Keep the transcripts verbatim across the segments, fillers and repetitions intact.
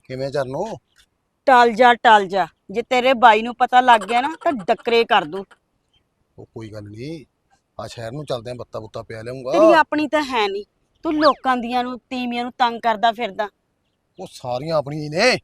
ਕਿਵੇਂ ਚਰਨੋ? ਟਲ ਜਾ ਟਲ ਜਾ, ਜੇ ਤੇਰੇ ਬਾਈ ਨੂੰ ਪਤਾ ਲੱਗ ਗਿਆ ਨਾ ਤਾਂ ਡੱਕਰੇ ਕਰ ਦੂ। ਉਹ ਕੋਈ ਗੱਲ ਨਹੀਂ, ਆ ਸ਼ਹਿਰ ਨੂੰ ਚੱਲਦੇ ਆ, ਬੱਤਾ ਬੁੱਤਾ ਪਿਆ ਲਿਆਉਂਗਾ। ਤੇਰੀ ਆਪਣੀ ਤਾਂ ਹੈ ਨਹੀਂ, ਤੂੰ ਲੋਕਾਂ ਦੀਆਂ ਨੂੰ ਤੀਵੀਆਂ ਨੂੰ ਤੰਗ ਕਰਦਾ ਫਿਰਦਾ। ਉਹ ਸਾਰੀਆਂ ਆਪਣੀਆਂ ਹੀ ਨੇ।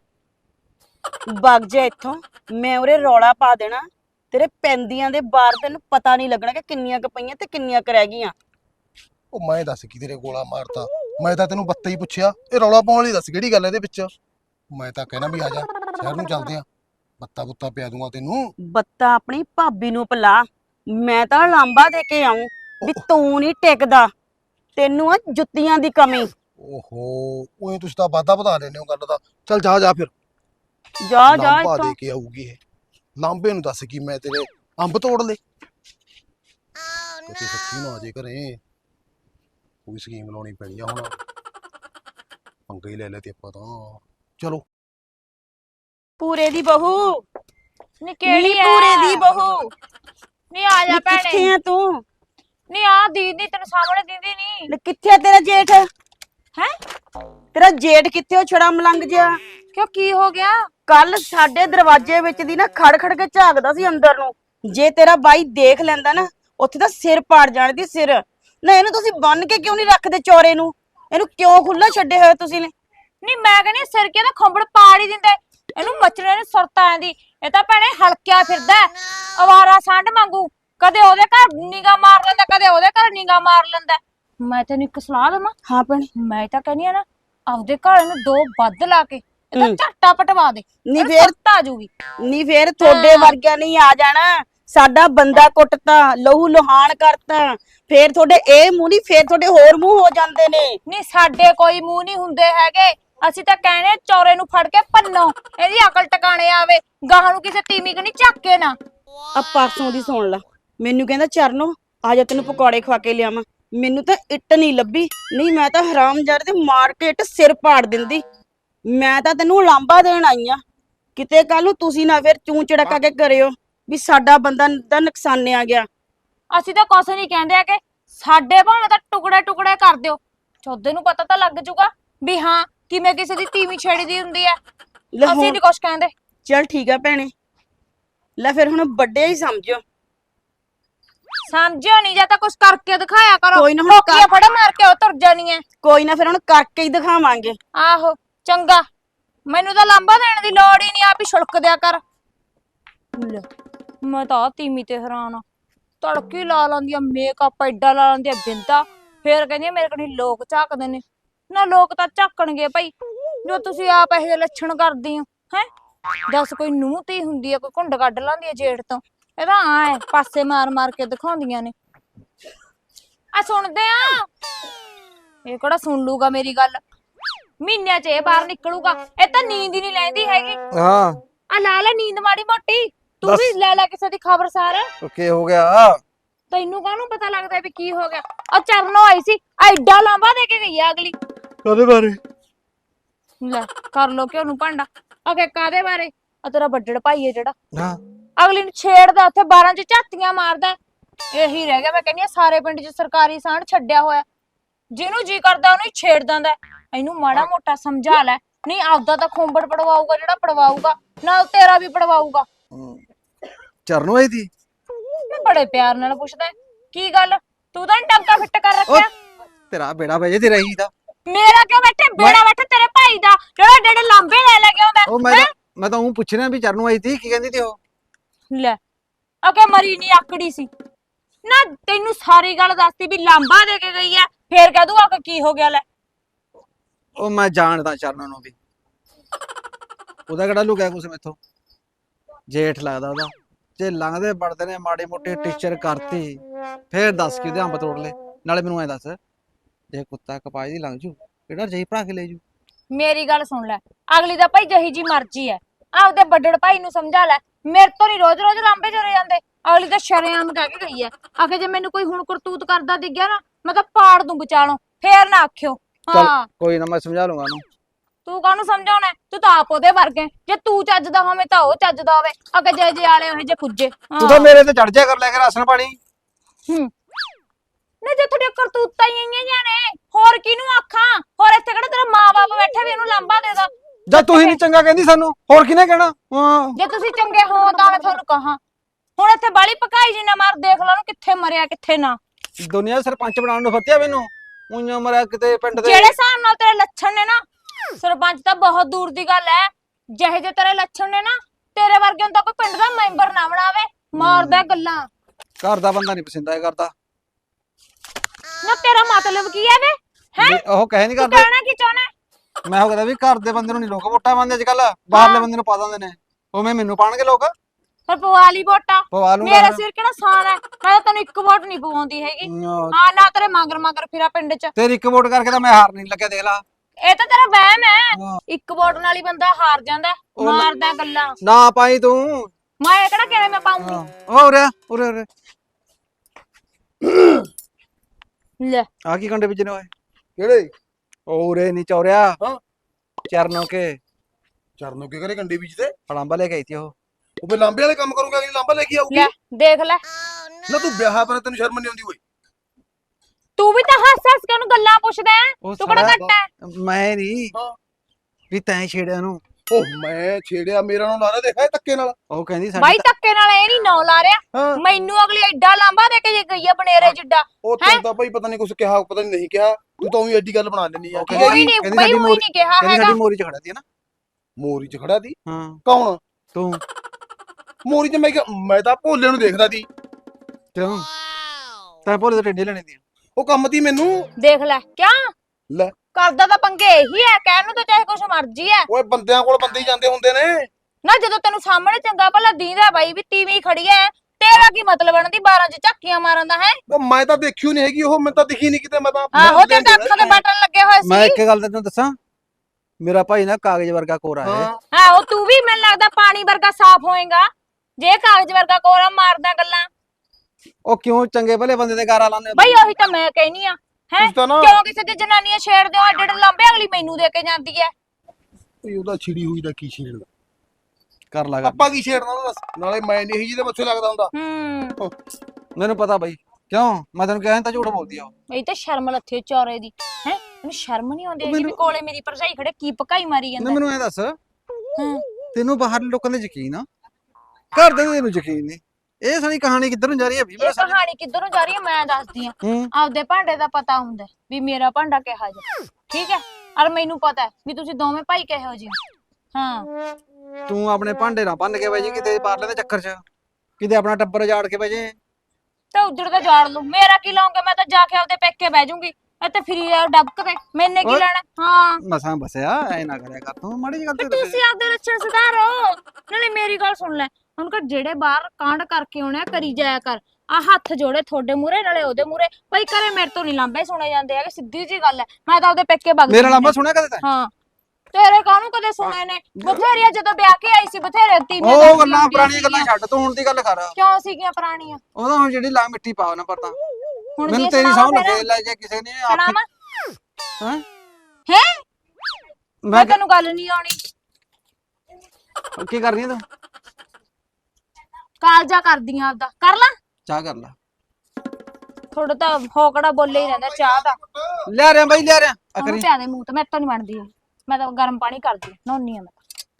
ਵਗ ਜਾ ਇੱਥੋਂ, ਮੈਂ ਉਰੇ ਰੌਲਾ ਪਾ ਦੇਣਾ। ਤੇਰੇ ਪੈਂਦੀਆਂ ਦੇ ਬਾਹਰ ਤੈਨੂੰ ਪਤਾ ਨਹੀਂ ਲੱਗਣਾ ਕਿ ਕਿੰਨੀਆਂ ਕੁ ਪਈਆਂ ਤੇ ਕਿੰਨੀਆਂ ਕੁ ਰਹਿ ਗਈਆਂ। ਉਹ ਮੈਂ ਦੱਸ ਕੀ ਤੇਰੇ ਗੋਲਾ ਮਾਰਤਾ? ਮੈਂ ਤਾਂ ਤੈਨੂੰ ਬੱਤਾ ਹੀ ਪੁੱਛਿਆ, ਇਹ ਰੌਲਾ ਪਾਉਣ ਵਾਲੀ ਦੱਸ ਕਿਹੜੀ ਗੱਲ ਇਹਦੇ ਵਿੱਚ? ਮੈਂ ਤਾਂ ਕਹਿਣਾ ਵੀ ਆ ਜਾ ਸ਼ਹਿਰ ਨੂੰ ਚੱਲਦੇ ਆ, ਬੱਤਾ ਬੁੱਤਾ ਪਿਆ ਦੂੰਗਾ ਤੈਨੂੰ। ਬੱਤਾ ਆਪਣੀ ਭਾਬੀ ਨੂੰ ਪਿਲਾ, ਮੈਂ ਤਾਂ ਲਾਂਬਾ ਦੇ ਕੇ ਆਉਂ ਵੀ ਤੂੰ ਨਹੀਂ ਟਿਕਦਾ, ਤੈਨੂੰ ਆ ਜੁੱਤੀਆਂ ਦੀ ਕਮੀ। ਓਹੋ, ਉਹ ਤੁਸੀਂ ਤਾਂ ਵਾਧਾ ਵਧਾ ਲੈਨੇ ਹੋ ਗੱਲ ਦਾ। ਚੱਲ ਜਾ ਜਾ ਫਿਰ, ਜਾ ਜਾ ਲਾਂਬਾ ਇੱਥੋਂ। ਦੇ ਕੇ ਆਊਗੀ ਇਹ। ਲਾਂਬੇ ਨੂੰ ਦੱਸ ਕੀ ਮੈਂ ਤੇਰੇ ਅੰਬ ਤੋੜ ਲੇ? ਕਿਤੇ ਸੱਚੀ ਨਾ ਆ ਜੇ ਘਰੇ, ਕੋਈ ਸਕੀਮ ਲਾਉਣੀ ਪੈਣੀ ਆ ਹੁਣ। ਪੰਗਾ ਹੀ ਲੈ ਲੈ ਤੇ ਆਪਾਂ ਤਾਂ। ਚਲੋ ਪੂਰੇ ਦੀ ਬਹੂ, ਨੀ ਕਿਹੜੀ ਐ? ਪੂਰੇ ਦੀ ਬਹੂ, ਨੀ ਆ ਜਾ ਨੀ ਭੈਣੇ। ਕਿੱਥੇ ਆ ਤੂੰ? ਨੀ ਆ ਦੀਦੀ ਤੈਨੂੰ ਸਾਹਮਣੇ ਦੀਦੀ ਨੀ ਨੀ ਕਿੱਥੇ ਆ ਤੇਰਾ ਜੇਠ? ਹੈ। ਤੇਰਾ ਜੇਠ ਕਿੱਥੇ? ਉਹ ਛੜਾ ਮਲੰਗ ਜਿਹਾ ਕਿਉਂ ਕੀ ਹੋ ਗਿਆ? ਕੱਲ ਸਾਡੇ ਦਰਵਾਜ਼ੇ ਵਿੱਚ ਦੀ ਨਾ ਖੜ ਖੜ ਕੇ ਝਾਕਦਾ ਸੀ ਅੰਦਰ ਨੂੰ। ਜੇ ਤੇਰਾ ਬਾਈ ਦੇਖ ਲੈਂਦਾ ਨਾ, ਉੱਥੇ ਤਾਂ ਸਿਰ ਪਾੜ ਜਾਣ ਦੀ ਸਿਰ। ਨਾ ਇਹਨੂੰ ਤੁਸੀਂ ਬੰਨ ਕੇ ਕਿਉਂ ਨਹੀਂ ਰੱਖਦੇ ਚੋਰੇ ਨੂੰ? ਇਹਨੂੰ ਕਿਉਂ ਖੁੱਲਾ ਛੱਡੇ ਹੋਏ ਤੁਸੀਂ ਨੇ? ਨੀ ਮੈਂ ਕਹਿੰਦੀ ਸਿਰਕੇ ਦਾ ਖੰਬੜ ਪਾੜ ਹੀ ਦਿੰਦਾ ਇਹਨੂੰ, ਮੱਛਰਾਂ ਨੇ ਸੁਰਤ ਆਂਦੀ। ਇਹ ਤਾਂ ਭੈਣੇ ਹਲਕਿਆ ਫਿਰਦਾ ਅਵਾਰਾ ਸੰਢ ਵਾਂਗੂ, ਕਦੇ ਉਹਦੇ ਘਰ ਨਿਗਾ ਮਾਰ ਲੈਂਦਾ, ਕਦੇ ਉਹਦੇ ਘਰ ਨਿਗਾ ਮਾਰ ਲੈਂਦਾ। ਮੈਂ ਤੈਨੂੰ ਇੱਕ ਸਲਾਹ ਦੇਵਾਂ? ਹਾਂ ਭੈਣੇ। ਮੈਂ ਤਾਂ ਕਹਿੰਦੀ ਆ ਨਾ, ਆਪਦੇ ਘਰ ਨੂੰ ਦੋ ਵੱਧ ਲਾ ਕੇ ਇਹਦਾ ਝਾਟਾ ਪਟਵਾ ਦੇ, ਨੀ ਫੇਰ ਆ ਜੂਗੀ। ਨੀ ਫੇਰ ਤੁਹਾਡੇ ਵਰਗਿਆਂ ਨਹੀਂ ਆ ਜਾਣਾ। ਸਾਡਾ ਬੰਦਾ ਕੁੱਟਤਾ, ਲਹੂ ਲੋਹਾਨ ਕਰਤਾ, ਫੇਰ ਤੁਹਾਡੇ ਇਹ ਮੂੰਹ ਨਹੀਂ, ਫੇਰ ਤੁਹਾਡੇ ਹੋਰ ਮੂੰਹ ਹੋ ਜਾਂਦੇ ਨੇ। ਨਹੀਂ ਸਾਡੇ ਕੋਈ ਮੂੰਹ ਨਹੀਂ ਹੁੰਦੇ ਹੈਗੇ, ਅਸੀਂ ਤਾਂ ਕਹਿੰਦੇ ਚੋਰੇ ਨੂੰ ਫੜ ਕੇ ਭੰਨੋ, ਇਹਦੀ ਅਕਲ ਟਿਕਾਣੇ ਆਵੇ, ਗਾਹਾਂ ਨੂੰ ਕਿਸੇ ਤੀਵੀਂ ਕਨੀ ਝਾਕੇ ਨਾ। ਆ ਪਰਸੋਂ ਦੀ ਸੁਣ ਲਾ, ਮੈਨੂੰ ਕਹਿੰਦਾ ਚਰਨੋ ਆ ਜਾ ਤੈਨੂੰ ਪਕੌੜੇ ਖਵਾ ਕੇ ਲਿਆਵਾਂ। ਮੈਨੂੰ ਤਾਂ ਇੱਟ ਨਹੀਂ ਲੱਭੀ, ਨਹੀਂ ਮੈਂ ਤਾਂ ਹਰਾਮਜ਼ਾਦੇ ਤੇ ਮਾਰ ਕੇ ਇੱਟ ਸਿਰ ਪਾੜ ਦਿੰਦੀ। ਮੈਂ ਤਾਂ ਤੈਨੂੰ ਲਾਂਬਾ ਦੇਣ ਆਈ ਆ, ਕਿਤੇ ਕੱਲ ਨੂੰ ਤੁਸੀਂ ਨਾ ਫਿਰ ਚੂੰ ਚੜਕਾ ਕੇ ਕਰਿਓ ਵੀ ਸਾਡਾ ਬੰਦਾ ਦਾ ਨੁਕਸਾਨਿਆ ਗਿਆ। ਅਸੀਂ ਤਾਂ ਕੁਛ ਨਹੀਂ ਕਹਿੰਦੇ ਆ ਕਿ ਸਾਡੇ ਭਾਵੇਂ ਤਾਂ ਟੁਕੜੇ ਟੁਕੜੇ ਕਰ ਦਿਓ, ਚੌਦੇ ਨੂੰ ਪਤਾ ਤਾਂ ਲੱਗ ਜੂਗਾ ਵੀ ਹਾਂ ਕਿਵੇਂ ਕਿਸੇ ਦੀ ਤੀਵੀਂ ਛੇੜੀ ਦੀ ਹੁੰਦੀ ਹੈ। ਅਸੀਂ ਨਹੀਂ ਕੁਛ ਕਹਿੰਦੇ। ਚੱਲ ਠੀਕ ਆ ਭੈਣੇ, ਲੈ ਫਿਰ ਹੁਣ ਵੱਡੇ ਹੀ ਸਮਝਿਓ। ਸਮਝਿਓ ਨਹੀਂ, ਜਾਂ ਤਾਂ ਕੁਛ ਕਰਕੇ ਦਿਖਾਇਆ ਕਰੋ। ਕੋਈ ਨਾ ਹੁਣ ਟੋਕੀਆਂ ਫੜੇ ਮਾਰ ਕੇ ਉਹ ਤੁਰ ਜਾਣੀ ਹੈ। ਕੋਈ ਨਾ ਫਿਰ ਹੁਣ ਕਰਕੇ ਹੀ ਦਿਖਾਵਾਂਗੇ। ਆਹੋ ਚੰਗਾ, ਮੈਨੂੰ ਤਾਂ ਲਾਂਬਾ ਦੇਣ ਦੀ ਲੋੜ ਹੀ ਨਹੀਂ, ਆਪ ਹੀ ਛੁਲਕ ਦਿਆ ਕਰ। ਲੈ ਮੈਂ ਤਾਂ ਤੀਮੀ ਤੇ ਹੈਰਾਨ ਆ, ਤੜਕੀ ਲਾ ਲਾਂਦੀ ਆ ਮੇਕਅਪ, ਐਡਾ ਲਾ ਲਾਂਦੀ ਆ ਬਿੰਦਾ, ਫੇਰ ਕਹਿੰਦੀ ਆ ਮੇਰੇ ਕੋਲ ਲੋਕ ਝਾਕਦੇ ਨੇ। ਨਾ ਲੋਕ ਤਾਂ ਝਾਕਣਗੇ ਭਾਈ, ਜੋ ਤੁਸੀਂ ਆਪ ਇਹੋ ਜਿਹੇ ਲੱਛਣ ਕਰਦੀ ਹੋ। ਹੈ ਦੱਸ ਕੋਈ ਨੂੰਹ ਧੀ ਹੁੰਦੀ ਆ, ਕੋਈ ਘੁੰਡ ਕੱਢ ਲਾਂਦੀ ਆ ਜੇਠ ਤੋਂ? ਇਹ ਤਾਂ ਆ ਪਾਸੇ ਮਾਰ ਮਾਰ ਕੇ ਦਿਖਾਉਂਦੀਆਂ ਨੇ। ਆ ਸੁਣਦੇ ਆ, ਇਹ ਕਿਹੜਾ ਸੁਣ ਲੂਗਾ ਮੇਰੀ ਗੱਲ? ਮਹੀਨਿਆਂ ਚ ਇਹ ਬਾਹਰ ਨਿਕਲੂਗਾ, ਇਹ ਤਾਂ ਨੀਂਦ ਹੀ ਨਹੀਂ ਲੈਂਦੀ ਹੈਗੀ। ਹਾਂ ਆ ਲਾ ਲੈ ਨੀਂਦ ਮਾੜੀ ਮੋਟੀ, ਤੂੰ ਵੀ ਲੈ ਲੈ ਕਿਸੇ ਦੀ ਖਬਰ ਸਾਰ। ਕੀ ਹੋ ਗਿਆ? ਤੈਨੂੰ ਕਾਹਨੂੰ ਪਤਾ ਲੱਗਦਾ ਵੀ ਕੀ ਹੋ ਗਿਆ? ਆ ਚਰਨੋਂ ਆਈ ਸੀ, ਐਡਾ ਲਾਂਬਾ ਦੇ ਕੇ ਗਈ ਆ ਅਗਲੀ। ਕਦੇ ਬਾਰੇ ਲੈ ਕਰ ਲੋ ਕਿ ਉਹਨੂੰ ਭਾਂਡਾ ਅਗੇ ਕਾਦੇ ਬਾਰੇ? ਆ ਤੇਰਾ ਵੱਡੜ ਭਾਈ ਹੈ ਜਿਹੜਾ, ਹਾਂ ਅਗਲੀ ਨੂੰ ਛੇੜਦਾ, ਉੱਥੇ ਬਾਰਾਂ ਚ ਝਾਤੀਆਂ ਮਾਰਦਾ। ਇਹੀ ਰਹਿ ਗਿਆ, ਮੈਂ ਕਹਿੰਦੀ ਆ ਸਾਰੇ ਪਿੰਡ ਚ ਸਰਕਾਰੀ ਸਾਂਢ ਛੱਡਿਆ ਹੋਇਆ, ਜਿਹਨੂੰ ਜੀ ਕਰਦਾ ਉਹਨੂੰ ਹੀ ਛੇੜ ਦਿੰਦਾ। ਇਹਨੂੰ ਮਾੜਾ ਮੋਟਾ ਸਮਝਾ ਲੈ, ਨਹੀਂ ਆਪਦਾ ਤਾਂ ਖੋਂਬੜ ਪੜਵਾਊਗਾ ਜਿਹੜਾ ਪੜਵਾਊਗਾ, ਨਾਲ ਤੇਰਾ ਵੀ ਪੜਵਾਊਗਾ। ਚਰਨੋਂ ਆਈ ਦੀ? ਮੈਂ ਬੜੇ ਪਿਆਰ ਨਾਲ ਪੁੱਛਦਾ ਕੀ ਗੱਲ, ਤੂੰ ਤਾਂ ਟੰਕਾ ਫਿੱਟ ਕਰ ਰੱਖਿਆ। ਤੇਰਾ ਬੇੜਾ ਵਜੇ ਤੇਰਾ ਹੀ ਦਾ। ਮੇਰਾ ਕਿਉਂ ਬੈਠੇ? ਬੇੜਾ ਬੈਠੇ ਤੇਰੇ ਭਾਈ ਦਾ, ਜਿਹੜਾ ਡੇੜੇ ਲਾਂਬੇ ਲੈ ਲੈ ਕੇ ਆਉਂਦਾ। ਉਹ ਮੈਂ ਤਾਂ ਮੈਂ ਤਾਂ ਉਹ ਪੁੱਛਣਾ ਵੀ ਚਰਨੋਂ ਆਈ ਸੀ, ਕੀ ਕਹਿੰਦੀ ਤੇ ਉਹ? ਲੈ ਅਕੇ ਮਰੀ ਨਹੀਂ ਆਕੜੀ ਸੀ ਨਾ, ਤੈਨੂੰ ਸਾਰੀ ਗੱਲ ਦੱਸਤੀ ਵੀ ਲਾਂਬਾ ਦੇ ਕੇ ਗਈ ਐ, ਫੇਰ ਕਹਿ ਦੂ ਆ ਕੀ ਹੋ ਗਿਆ? ਲੈ ਉਹ ਮੈਂ ਜਾਣਦਾ ਚਰਨੋਂ ਨੂੰ ਵੀ, ਉਹਦਾ ਕਿਹੜਾ ਲੁਕਿਆ ਕੁਛ ਮੈਥੋਂ? ਜੇਠ ਲੱਗਦਾ ਉਹਦਾ, ਜੇ ਲੰਘਦੇ ਵੜਦੇ ਨੇ ਮਾੜੇ ਮੋਟੇ ਟੀਚਰ ਕਰਤੀ, ਫੇਰ ਦੱਸ ਕੇ ਉਹਦੇ ਅੰਬ ਤੋੜ ਲੈ। ਨਾਲੇ ਮੈਨੂੰ ਐ ਦੱਸ, ਜੇ ਕੁੱਤਾ ਕਪਾਈ ਦੀ ਲੰਘ ਜੂ, ਕਿਹੜਾ ਜਹੀ ਭਰਾ ਕੇ ਲੈ ਜੂ? ਮੇਰੀ ਗੱਲ ਸੁਣ ਲੈ, ਅਗਲੀ ਦਾ ਭਾਈ ਜਹੀ ਜੀ ਮਰਜ਼ੀ ਐ, ਆਪਦੇ ਵੱਡੜ ਭਾਈ ਨੂੰ ਸਮਝਾ ਲੈ। ਮੇਰੇ ਤੋਂ ਨੀ ਰੋਜ਼ ਰੋਜ਼ ਲਾਂਬੇ ਚੋਰੇ ਜਾਂਦੇ। ਅਗਲੀ ਤਾਂ ਸ਼ਰੇਆਮ ਕਹਿ ਕੇ ਗਈ ਐ, ਆਖੇ ਜੇ ਮੈਨੂੰ ਕੋਈ ਹੁਣ ਕਰਤੂਤ ਕਰਦਾ ਦਿਖਿਆ ਨਾ, ਮੈਂ ਤਾਂ ਪਾੜ ਦੂੰ ਵਿਚਾਲੋਂ, ਫੇਰ ਨਾ ਆਖਿਓ। ਹਾਂ ਕੋਈ ਨਾ, ਮੈਂ ਸਮਝਾ ਲੂੰਗਾ ਉਹਨੂੰ। ਤੂੰ ਕਾਹਨੂੰ ਸਮਝਾਉਣਾ? ਤੂੰ ਤਾਂ ਆਪ ਉਹਦੇ ਵਰਗੇ, ਜੇ ਤੂੰ ਚੱਜਦਾ ਹੋਵੇਂ ਤਾਂ ਉਹ ਚੱਜਦਾ ਹੋਵੇ। ਅਗੇ ਜੇ ਜੇ ਆਲੇ ਉਹ ਜੇ ਪੁੱਜੇ। ਤੂੰ ਤਾਂ ਮੇਰੇ ਤੇ ਚੜ ਜਾ ਕਰ, ਲੈ ਕੇ ਰਾਸ਼ਨ ਪਾਣੀ। ਹੂੰ ਨਹੀਂ ਜੇ ਤੁਹਾਡੀਆਂ ਕਰਤੂਤਾਂ ਹੀ ਆਈਆਂ ਜਾਣੇ, ਹੋਰ ਕਿਹਨੂੰ ਆਖਾਂ? ਹੋਰ ਇੱਥੇ ਕਿਹੜਾ ਤੇਰਾ ਮਾਂ-ਬਾਪ ਬੈਠੇ ਵੀ ਇਹਨੂੰ ਲਾਂਬਾ ਦੇ ਦਾ? ਜਦ ਤੁਸੀਂ ਨਹੀਂ ਚੰਗਾ ਕਹਿੰਦੀ ਸਾਨੂੰ ਹੋਰ ਕਿਹਨੇ ਕਹਿਣਾ ਹਾਂ ਜੇ ਤੁਸੀਂ ਚੰਗੇ ਹੋ ਤਾਂ ਮੈਂ ਤੁਹਾਨੂੰ ਕਹਾਂ ਹੁਣ ਇੱਥੇ ਬਾਲੀ ਪਕਾਈ ਜੀ ਨਾ ਮਾਰ ਦੇਖ ਲਾ ਨੂੰ ਕਿੱਥੇ ਮਰਿਆ ਕਿੱਥੇ ਨਾ ਦੁਨੀਆ ਦਾ ਸਰਪੰਚ ਬਣਾਉਣ ਨੂੰ ਫੱਤਿਆ ਮੈਨੂੰ ਉਈਆਂ ਮਰਿਆ ਕਿਤੇ ਪਿੰਡ ਦੇ ਜਿਹੜੇ ਹਿਸਾਬ ਨਾਲ ਤੇਰੇ ਲੱਛਣ ਨੇ ਨਾ ਸਰਪੰਚ ਤਾਂ ਬਹੁਤ ਦੂਰ ਦੀ ਗੱਲ ਹੈ ਜਿਹੇ ਜੇ ਤੇਰੇ ਲੱਛਣ ਨੇ ਨਾ ਤੇਰੇ ਵਰਗੇ ਨੂੰ ਤਾਂ ਕੋਈ ਪਿੰਡ ਦਾ ਮੈਂਬਰ ਨਾ ਬਣਾਵੇ ਮਾਰਦਾ ਗੱਲਾਂ ਘਰ ਦਾ ਬੰਦਾ ਨਹੀਂ ਪਸੰਦ ਆਇਆ ਕਰਦਾ ਨਾ ਤੇਰਾ ਮਤਲਬ ਕੀ ਹੈ ਵੇ ਹੈ ਵੀ ਉਹ ਕਹੇ ਨਹੀਂ ਤੂੰ ਕਰਦਾ ਕਹਿਣਾ ਕੀ ਚਾਹਣਾ ਮੈਂ ਉਹ ਕਹਿੰਦਾ ਵੀ ਘਰ ਦੇ ਬੰਦੇ ਨੂੰ ਨਹੀਂ ਲੋਕ ਵੋਟਾਂ ਪਾਉਂਦੇ ਅੱਜ ਕੱਲ ਬਾਹਰਲੇ ਬੰਦੇ ਨੂੰ ਪਾ ਦਿੰਦੇ ਨੇ ਉਵੇਂ ਮੈਨੂੰ ਪਾਣਗੇ ਲੋਕ ਫਿਰ ਪਵਾ ਲਈ ਵੋਟਾਂ ਪਵਾ ਲੂੰਗਾ ਮੇਰਾ ਸਿਰ ਕਿਹੜਾ ਸਾਨ ਹੈ ਮੈਂ ਤਾਂ ਤੈਨੂੰ ਇੱਕ ਵੋਟ ਨਹੀਂ ਪਵਾਉਂਦੀ ਹੈਗੀ ਅਮ, ਹਾਂ ਨਾ ਤੇਰੇ ਮੰਗਰ ਮੰਗਰ ਫਿਰਾ ਪਿੰਡ 'ਚ ਤੇਰੀ ਇੱਕ ਵੋਟ ਕਰਕੇ ਤਾਂ ਮੈਂ ਹਾਰ ਨਹੀਂ ਲੱਗਿਆ ਦੇਖ ਲਾ ਇਹ ਤਾਂ ਤੇਰਾ ਵਹਿਮ ਹੈ ਹਾਂ। ਇੱਕ ਵੋਟ ਨਾਲ ਹੀ ਬੰਦਾ ਹਾਰ ਜਾਂਦਾ ਹੈ, ਉਹ ਨਾ- ਮਾਰਦਾ ਗੱਲਾਂ ਨਾ ਪਾਈ ਤੂੰ ਮੈਂ ਇਹ ਕਿਹੜਾ ਕਿਵੇਂ ਮੈਂ ਪਾਉਂਗੀ ਉਹ ਉਰੇ ਆ, ਉਰੇ ਉਰੇ ਲੈ ਆ ਕੀ ਕੰਡੇ ਵਿੱਚ ਨੇ ਓਏ ਕਿਹੜੇ ਉਹ ਉਰੇ ਨਹੀਂ ਚੌਰਿਆ ਹਾਂ ਚਰਨੋਂ ਕੇ ਚਰਨੋਂ ਕੇ ਕਰੇ ਕੰਡੇ ਬੀਜ ਤੇ ਫੜਾਂਬਾ ਲੈ ਕੇ ਆਈ ਤੀ ਉਹ ਉਹ ਫੇ ਲਾਂਬੇ ਵਾਲੇ ਕੰਮ ਕਰੂਗਾ ਅਗਲੀ ਲਾਂਬਾ ਲੈ ਕੇ ਆਊਗੀ ਲੈ ਦੇਖ ਲੈ ਨਾ ਤੂੰ ਵਿਆਹ ਪਰ ਤੈਨੂੰ ਸ਼ਰਮ ਨਹੀਂ ਆਉਂਦੀ ਓਏ ਤੂੰ ਵੀ ਤਾਂ ਹੱਸ ਹੱਸ ਕੇ ਉਹਨੂੰ ਗੱਲਾਂ ਪੁੱਛਦਾ ਹੈ ਉਹ ਤੂੰ ਕਿਹੜਾ ਸਾਲਾ- ਘੱਟ ਹੈ ਮੈਂ ਨਹੀਂ ਹਾਂ ਵੀ ਤੈਂ ਛੇੜਿਆ ਨੂੰ ਉਹ ਮੈਂ ਛੇੜਿਆ ਮੇਰਾ ਨੂੰ ਲਾਰਾ ਦੇਖਿਆ ਧੱਕੇ ਨਾਲ ਉਹ ਕਹਿੰਦੀ ਬਾਈ ਸਾਡੀ ਧੱਕੇ ਨਾਲ ਇਹ ਨਹੀਂ ਨੌ ਲਾ ਰਿਹਾ ਹਾਂ ਮੈਨੂੰ ਅਗਲੀ ਐਡਾ ਲਾਂਬਾ ਦੇ ਕੇ ਜੇ ਗਈ ਆ ਬਨੇਰੇ ਜਿੱਡਾ ਉਹ ਤੈਨੂੰ ਤਾਂ ਭਾਈ ਪਤਾ ਨਹੀਂ ਕੁਝ ਕਿਹਾ ਪਤਾ ਨਹੀਂ ਨਹੀਂ ਕਿਹਾ ਤੂੰ ਤਾਂ ਉਹੀ ਐਡੀ ਗੱਲ ਬਣਾ ਲੈਣੀ ਆ ਉਹ ਕੀ ਕਹਿੰਦੀ- ਕੋਈ ਹੈਗੀ? ਨਹੀਂ ਕਹਿੰਦੀ ਬਾਈ ਸਾਡੀ ਉਹੀ ਮੋਰੀ- ਨਹੀਂ ਕਿਹਾ ਕਹਿੰਦੀ ਹੈਗਾ ਸਾਡੀ ਮੋਰੀ ਚ ਖੜਾ ਤੀ ਨਾ ਮੋਰੀ ਚ ਖੜਾ ਦੀ ਹਾਂ ਕੌਣ ਤੂੰ ਮੋਰੀ ਚ ਮੈਂ ਕਿਹਾ ਮੈਂ ਤਾਂ ਭੋਲੇ ਨੂੰ ਦੇਖਦਾ ਦੀ ਕਿਉਂ ਤੈਂ ਭੋਲੇ ਤੇ ਟਿੰਡੇ ਲੈਣੇ ਦੀਆਂ ਉਹ ਕੰਮ ਦੀ ਮੈਨੂੰ ਦੇਖ ਲੈ ਕਿਆ ਲੈ ਕਰਦਾ ਤਾਂ ਪੰਗੇ ਇਹੀ ਹੈ ਕਹਿਣ ਨੂੰ ਤਾਂ ਚਾਹੇ ਕੁਛ ਮਰਜੀ ਹੈ ਓਏ ਬੰਦਿਆਂ ਕੋਲ ਬੰਦੇ ਹੀ ਜਾਂਦੇ ਹੁੰਦੇ ਨੇ ਨਾ ਜਦੋਂ ਤੈਨੂੰ ਸਾਹਮਣੇ ਚੰਗਾ ਭਲਾ ਦੀਂਦਾ ਬਾਈ ਵੀ ਤੀਵੀਂ ਖੜੀ ਐ ਤੇਰਾ ਕੀ ਮਤਲਬ ਬਣਦੀ ਬਾਰਾਂ ਚ ਝਾਕੀਆਂ ਮਾਰਨ ਦਾ ਹੈ ਉਹ ਮੈਂ ਤਾਂ ਦੇਖਿਓ ਨਹੀਂ ਹੈਗੀ ਉਹ ਮੈਨੂੰ ਤਾਂ ਦਿਖੀ ਨਹੀਂ ਕਿਤੇ ਮੈਂ ਤਾਂ ਆਹੋ ਤੇ ਅੱਖਾਂ ਦੇ ਬਟਨ ਲੱਗੇ ਹੋਏ ਮੈਂ ਸੀ ਇੱਕ ਗੱਲ ਤੈਨੂੰ ਦੱਸਾਂ ਮੇਰਾ ਭਾਈ ਨਾ ਕਾਗਜ਼ ਵਰਗਾ ਕੋਰਾ ਹੈ ਹਾਂ ਆਹੋ ਤੂੰ ਵੀ ਮੈਨੂੰ ਲੱਗਦਾ ਪਾਣੀ ਵਰਗਾ ਸਾਫ਼ ਹੋਏਗਾ ਜੇ ਕਾਗਜ਼ ਵਰਗਾ ਕੋਰਾ ਮਾਰਦਾ ਗੱਲਾਂ ਉਹ ਕਿਉਂ ਚੰਗੇ ਭਲੇ ਬੰਦੇ ਦੇ ਗਾਰਾ ਲਾਉਂਦੇ ਬਈ ਉਹੀ ਤਾਂ ਮੈਂ ਕਹਿਨੀ ਆ ਹੈ ਤੁਸੀਂ ਤਾਂ ਨਾ ਕਿਉਂ ਕਿਸੇ ਦੀ ਜਨਾਨੀਆਂ ਛੇੜਦੇ ਹੋ ਐਡੇ ਐਡੇ ਲੰਬੇ ਅਗਲੀ ਮੈਨੂੰ ਦੇ ਕੇ ਜਾਂਦੀ ਐ ਓਏ ਉਹਦਾ ਛਿੜੀ ਹੋਈ ਦਾ ਕੀ ਛੇੜਦਾ ਕਰ ਲਾ ਕਰ ਆਪਾਂ ਕੀ ਛੇੜਨਾ ਉਹਦਾ ਦੱਸ ਨਾਲੇ ਮੈਂ ਨਹੀਂ ਜਿਹਦੇ ਮੱਥੇ ਲੱਗਦਾ ਹੁੰਦਾ ਹੂੰ ਮੈਨੂੰ ਪਤਾ ਬਾਈ ਕਿਉਂ ਮੈਂ ਤੈਨੂੰ ਕਿਹਾ ਤਾਂ ਝੂਠ ਬੋਲਦੀ ਆ ਉਹ ਇਹ ਤਾਂ ਸ਼ਰਮ ਲੱਥੇ ਚੌਰੇ ਦੀ ਹੈ ਇਹਨੂੰ ਸ਼ਰਮ ਨਹੀਂ ਆਉਂਦੀ ਹੈਗੀ ਵੀ ਕੋਲੇ ਮੇਰੀ ਭਰਜਾਈ ਖੜੇ ਕੀ ਪਕਾਈ ਮਾਰੀ ਨਾ ਜਾਂਦਾ ਮੈਨੂੰ ਐ ਦੱਸ ਹਾਂ ਤੈਨੂੰ ਬਾਹਰ ਲੋਕਾਂ ਦੇ ਯਕੀਨ ਆ ਘਰ ਦੇ ਤੈਨੂੰ ਯਕੀਨ ਨਹੀਂ ਇਹ ਸਾਰੀ ਕਹਾਣੀ ਕਿੱਧਰ ਨੂੰ ਜਾ ਰਹੀ ਹੈ ਵੀ ਇਹ ਕਹਾਣੀ ਕਿੱਧਰੋਂ ਜਾ ਰਹੀ ਹੈ ਮੈਂ ਦੱਸਦੀ ਆ ਹੂੰ ਆਪਦੇ ਭਾਂਡੇ ਦਾ ਪਤਾ ਹੁੰਦਾ ਹੈ ਵੀ ਮੇਰਾ ਭਾਂਡਾ ਕਿਹਾ ਜਾ ਠੀਕ ਹੈ ਔਰ ਮੈਨੂੰ ਪਤਾ ਹੈ ਵੀ ਤੁਸੀਂ ਦੋਵੇਂ ਭਾਈ ਕਿਹੋ ਜਿਹੇ ਹੋ। ਹਾਂ ਤੂੰ ਆਪਣੇ ਭਾਂਡੇ ਨਾ ਭੰਨ ਕੇ ਬਹਿ ਜੀ ਕਿਤੇ ਪਾਰਲੇ ਦੇ ਚੱਕਰ 'ਚ ਕਿਤੇ ਆਪਣਾ ਟੱਬਰ ਜਾੜ ਕੇ ਬਹਿ ਜੇ ਤੇ ਉਧਰ ਤਾਂ ਜਾੜ ਲੂ ਮੇਰਾ ਕੀ ਲਾਉਂਗਾ ਮੈਂ ਤਾਂ ਜਾ ਕੇ ਆਪਦੇ ਪੇਕੇ ਬਹਿ ਜਾਊਂਗੀ ਇੱਥੇ ਫਰੀ ਡੱਬਕ ਤੇ ਮੈਨੇ ਕੀ ਓਏ। ਲੈਣਾ ਹਾਂ ਮਸਾਂ ਬਸਿਆ ਐ ਨਾ ਕਰਿਆ ਕਰ ਤੂੰ ਮਾੜੀ ਜਿਹੀ ਗੱਲ ਤੇ ਤੇ ਤੁਸੀਂ ਆਪਦੇ ਲੱਛਣ ਸੁਧਾਰੋ ਨਾਲੇ ਮੇਰੀ ਗੱਲ ਸੁਣ ਲੈ ਹੁਣ ਕੋ ਜਿਹੜੇ ਬਾਹਰ ਕਾਂਡ ਕਰਕੇ ਆਉਣੇ ਆ, ਕਰੀ ਜਾਇਆ ਕਰ ਆ ਹੱਥ ਜੋੜੇ ਤੁਹਾਡੇ ਮੂਰੇ ਨਾਲੇ ਉਹਦੇ ਮੂਰੇ ਬਈ ਕਰੇ ਮੇਰੇ ਤੋਂ ਨਹੀਂ ਲਾਂਬੇ ਸੁਣੇ ਜਾਂਦੇ ਹੈਗੇ ਸਿੱਧੀ ਜੀ ਗੱਲ ਹੈ ਮੈਂ ਤਾਂ ਆਪਦੇ ਪੇਕੇ ਵਗ ਮੇਰਾ ਜਾਂਦੀ ਲਾਂਬਾ ਹਾਂ। ਸੁਣਿਆ ਕਦੇ ਤੈਂ ਹਾਂ ਤੇਰੇ ਕਾਹਨੂੰ ਕਦੇ ਸੁਣੇ ਨੇ ਬਥੇਰੀਆਂ ਜਦੋਂ ਵਿਆਹ ਕੇ ਆਈ ਸੀ ਬਥੇਰੇ ਤੀਵੀਆਂ ਉਹ ਦੱਸਦੀਆਂ ਗੱਲਾਂ ਹੁੰਦੀਆਂ ਪੁਰਾਣੀਆਂ ਗੱਲਾਂ ਸੀਗੀਆਂ। ਛੱਡ ਤੂੰ ਹੁਣ ਦੀ ਗੱਲ ਕਰ ਕਿਉਂ ਸੀਗੀਆਂ ਪੁਰਾਣੀਆਂ ਉਹਦਾ ਹੁਣ ਜਿਹੜੀ ਲਾ ਮਿੱਟੀ ਪਾਉ ਨਾ ਪਤਾ ਹੁਣ ਮੈਨੂੰ ਦੀ ਤੇਰੀ ਸੁਣਾਓ ਸੌਂ ਫਿਰ। ਲੱਗੇ ਲੈ ਜੇ ਕਿਸੇ ਨੇ ਆਪ ਸੁਣਾਵਾਂ ਹਾਂ ਹੈ ਮੈਂ ਮੈਂ ਤੈਨੂੰ ਗੱਲ ਨਹੀਂ ਆਉਣੀ ਕਿਹਾ, ਕੀ ਕਰਨੀ ਤੂੰ ਕਾਲਜਾ ਕਰਦੀਆਂ ਆਪਦਾ ਕਰ ਲਾ ਚਾਹ ਕਰ ਲੈ ਥੋੜਾ ਤਾਂ ਹੋਕੜਾ ਬੋਲੇ ਹੀ ਰਹਿੰਦਾ ਚਾਹ ਦਾ ਲਿਆ ਰਿਆ ਬਾਈ ਲਿਆ ਰਿਆ ਉਹਨੂੰ ਅਕਰੀ ਪਿਆ ਦੇ ਮੂੰਹ ਤੇ ਮੈਂ ਤਾਂ ਨਹੀਂ ਬਣਦੀ ਇਹ। ਮੈਂ ਤਾਂ ਗਰਮ ਪਾਣੀ ਕਰਦੀ ਨਹਾਉਣੀ ਆ ਮੈਂ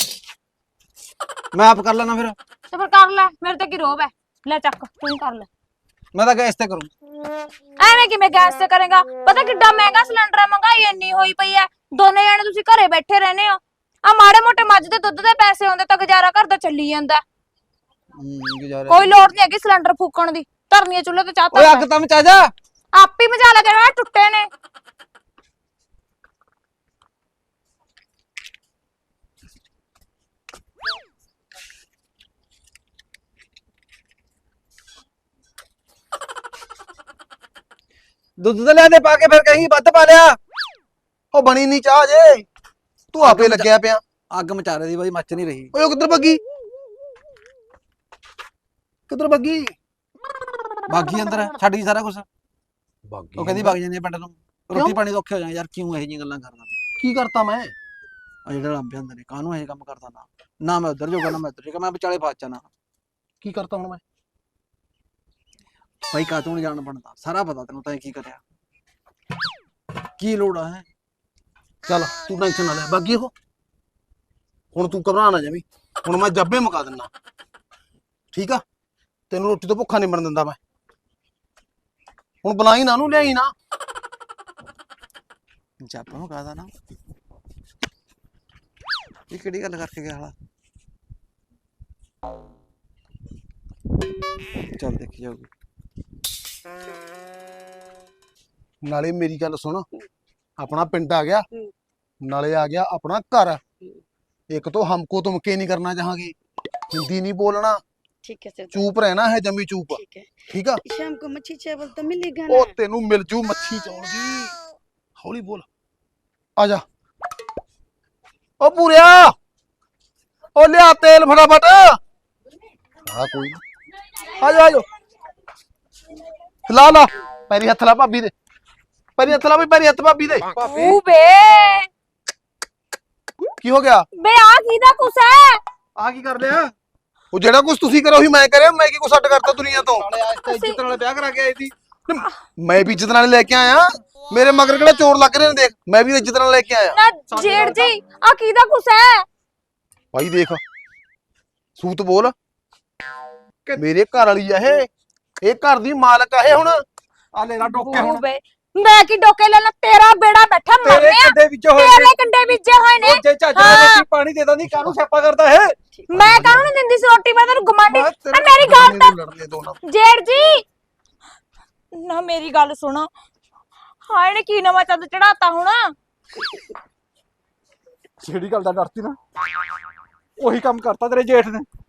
ਮੈਂ ਆਪ ਕਰ ਲੈਣਾ ਫਿਰ ਤੇ ਫਿਰ ਕਰ ਲੈ ਮੇਰੇ ਤੇ ਕੀ ਰੋਬ ਹੈ ਲੈ ਚੱਕ ਤੂੰ ਹੀ ਕਰ ਲੈ ਮੈਂ ਤਾਂ ਗੈਸ ਤੇ ਕਰੂੰ ਐਵੇਂ ਕਿਵੇਂ ਗੈਸ ਤੇ ਕਰੇਗਾ ਪਤਾ ਕਿੱਡਾ ਮਹਿੰਗਾ ਸਿਲੰਡਰ ਹੈ ਮਹਿੰਗਾਈ ਇੰਨੀ ਹੋਈ ਪਈ ਹੈ ਦੋਨੇ ਜਣੇ ਤੁਸੀਂ ਘਰੇ ਬੈਠੇ ਰਹਿੰਦੇ ਹੋ ਆ ਮਾੜੇ ਮੋਟੇ ਮੱਝ ਦੇ ਦੁੱਧ ਦੇ ਪੈਸੇ ਆਉਂਦੇ ਤਾਂ ਗੁਜ਼ਾਰਾ ਘਰ ਦਾ ਚੱਲੀ ਜਾਂਦਾ ਹੂੰ ਗੁਜ਼ਾਰੇ ਕੋਈ ਲੋੜ ਨਹੀਂ ਹੈਗੀ ਸਿਲੰਡਰ ਫੂਕਣ ਦੀ ਧਰਨੀਆਂ ਚੁੱਲ੍ਹੇ ਤੇ ਚਾਹ ਓਏ ਤਾਂ ਅੱਗ ਤਾਂ ਮਚਾ ਜਾ ਆਪ ਹੀ ਮਜਾ ਲੈ ਜਿਹੜਾ ਟੁੱਟੇ ਨੇ ਦੁੱਧ ਤੇ ਲਿਆ ਦੇ ਪਾ ਕੇ ਫਿਰ ਕਹੀਂ ਵੱਧ ਪਾ ਲਿਆ ਉਹ ਬਣੀ ਨਹੀਂ ਚਾਹ ਜੇ ਤੂੰ ਆਪੇ ਲੱਗਿਆ ਪਿਆ ਅੱਗ ਮਚਾ ਰਹੀ ਦੀ ਬਾਈ ਮੱਚ ਨਹੀਂ ਰਹੀ ਓਏ ਉਹ ਕਿੱਧਰ ਭੱਗੀ ਕਿੱਧਰ ਭੱਗੀ ਬਾਗੀ ਅੰਦਰ ਛੱਡ ਗਈ ਸਾਰਾ ਕੁਝ ਭੱਗੀ ਉਹ ਕਹਿੰਦੀ ਵਗ ਜਾਂਦੀ ਆ ਪਿੰਡ ਨੂੰ ਰੋਟੀ ਪਾਣੀ ਤੋਂ ਔਖੇ ਹੋ ਜਾਏ ਯਾਰ ਕਿਉਂ ਇਹੋ ਜਿਹੀਆਂ ਗੱਲਾਂ ਕਰਦਾ ਕੀ ਕਰਤਾ ਮੈਂ ਆ ਜਿਹੜਾ ਲੰਬੇ ਅੰਦਰ ਨੇ ਕਾਹਨੂੰ ਇਹ ਕੰਮ ਕਰਦਾ ਨਾ ਨਾ ਮੈਂ ਉਧਰ ਜੋਗਾ ਨਾ ਮੈਂ ਉਧਰ ਜੋਗਾ ਮੈਂ ਵਿਚਾਲੇ ਫਸ ਜਾਣਾ ਕੀ ਕਰਤਾ ਹੁਣ ਮੈਂ ਬਾਈ ਕਾ ਤੂੰ ਨੀ ਜਾਣ ਬਣਦਾ ਸਾਰਾ ਪਤਾ ਤੈਨੂੰ ਤਾਂ ਕੀ ਕਰਿਆ ਕੀ ਲੋੜ ਆ ਹੈ ਚੱਲ ਤੂੰ ਟੈਨਸ਼ਨ ਨਾ ਲੈ ਭੱਗੀ ਉਹ ਹੁਣ ਤੂੰ ਘਬਰਾ ਨਾ ਜਾਵੀਂ, ਹੁਣ ਮੈਂ ਜੱਬੇ ਮੁਕਾ ਦਿੰਦਾ, ਠੀਕ ਆ? ਤੈਨੂੰ ਰੋਟੀ ਤੋਂ ਭੁੱਖਾ ਨਹੀਂ ਮਰਨ ਦਿੰਦਾ ਮੈਂ। ਹੁਣ ਬੁਲਾਈ ਨਾ ਉਹਨੂੰ, ਲਿਆਈ ਨਾ। ਜਾਪਾ ਨੂੰ ਕਹਦਾ ਨਾ ਇਹ ਕਿਹੜੀ ਗੱਲ ਕਰਕੇ ਗਿਆ ਹਾਲਾ। ਚੱਲ ਦੇਖੀ ਜਾਊਗੀ। ਨਾਲੇ ਮੇਰੀ ਗੱਲ ਸੁਣ, ਆਪਣਾ ਪਿੰਡ ਆ ਗਿਆ, ਹੂੰ। ਨਾਲੇ ਆ ਗਿਆ ਆਪਣਾ ਘਰ। एक तो हमको तुम के नहीं करना चाहोगे, हिंदी नहीं बोलना, ठीक है सरदार, चुप रहना है, जमी चुप, ठीक है। ठीक है? शाम को मच्छी चावल तो मिलेगा ओ ना? तेनू मिल जू मच्छी चौल दी, हौली बोल, आजा। ओ पूरिया, ओ लिया तेल फटाफट। हाँ कोई नहीं, आजा आजो, ला ला पैरी हथ ला भाभी दे, पैरी हथ ला भी, पैरी हथ भाभी दे। ऊ बे की हो गया? बे आ किदा कुछ है? आ की कर लिया? ਉਹ ਜਿਹੜਾ ਕੁਝ ਤੁਸੀਂ ਕਰੋ ਹੀ ਮੈਂ ਕਰਿਆ, ਮੈਂ ਕੀ ਕੁਛ ਅੱਡ ਕਰਤਾ ਦੁਨੀਆ ਤੋਂ? ਨਾਲੇ ਅੱਜ ਤਾਂ ਇੱਜ਼ਤ ਨਾਲ ਵਿਆਹ ਕਰਾ ਕੇ ਆਈ ਸੀ, ਮੈਂ ਵੀ ਇੱਜ਼ਤ ਨਾਲ ਲੈ ਕੇ ਆਇਆ। ਮੇਰੇ ਮਗਰ ਕਿਹੜਾ ਚੋਰ ਲੱਗ ਰਹੇ ਨੇ, ਦੇਖ ਮੈਂ ਵੀ ਇੱਜ਼ਤ ਨਾਲ ਲੈ ਕੇ ਆਇਆ। ਨਾ ਜੇੜ ਜੀ ਆ ਕਿਦਾ ਕੁਛ ਹੈ? ਭਾਈ ਦੇਖ, ਸੂਤ ਬੋਲ, ਮੇਰੇ ਘਰ ਵਾਲੀ ਆ ਇਹ, ਇਹ ਘਰ ਦੀ ਮਾਲਕ ਆ ਇਹ। ਹੁਣ ਆ ਲੈ ਲਾ ਡੋਕੇ ਹੁਣ। ਬੇ ਮੈਂ ਕੀ ਡੋਕੇ ਲੈ ਲਾ, ਤੇਰਾ ਬੇੜਾ ਬੈਠਾ ਤੇਰੇ ਮਰਨਿਆ, ਕੰਡੇ ਵਿੱਚ ਹੋਏ ਤੇਰੇ ਕੰਡੇ ਬੀਜੇ ਹੋਏ ਨੇ। ਉਹ ਜੇ ਝੱਜ ਨਾਲ ਰੋਟੀ ਪਾਣੀ ਦੇ ਦਾਂਦੀ ਕਾਹਨੂੰ ਸਿਆਪਾ ਕਰਦਾ ਹੈ? ਮੈਂ ਕਾਹਨੂੰ ਨਹੀਂ ਦਿੰਦੀ ਸੀ ਰੋਟੀ, ਮੈਂ ਤੈਨੂੰ ਗਮਾਂਡੀ। ਮੈਂ ਆ ਮੇਰੀ ਗੱਲ ਤਾਂ ਲੜਨੇ ਦੋ ਨਾ। ਜੇੜ ਜੀ ਨਾ ਮੇਰੀ ਗੱਲ ਸੁਣੋ, ਹਾਏ ਨੇ ਕੀ ਨਵਾਂ ਚੰਦ ਚੜਾਤਾ ਹੁਣ? ਜਿਹੜੀ ਗੱਲ ਦਾ ਡਰਤੀ ਨਾ ਉਹੀ ਕੰਮ ਕਰਤਾ ਤੇਰੇ ਜੇਠ ਨੇ।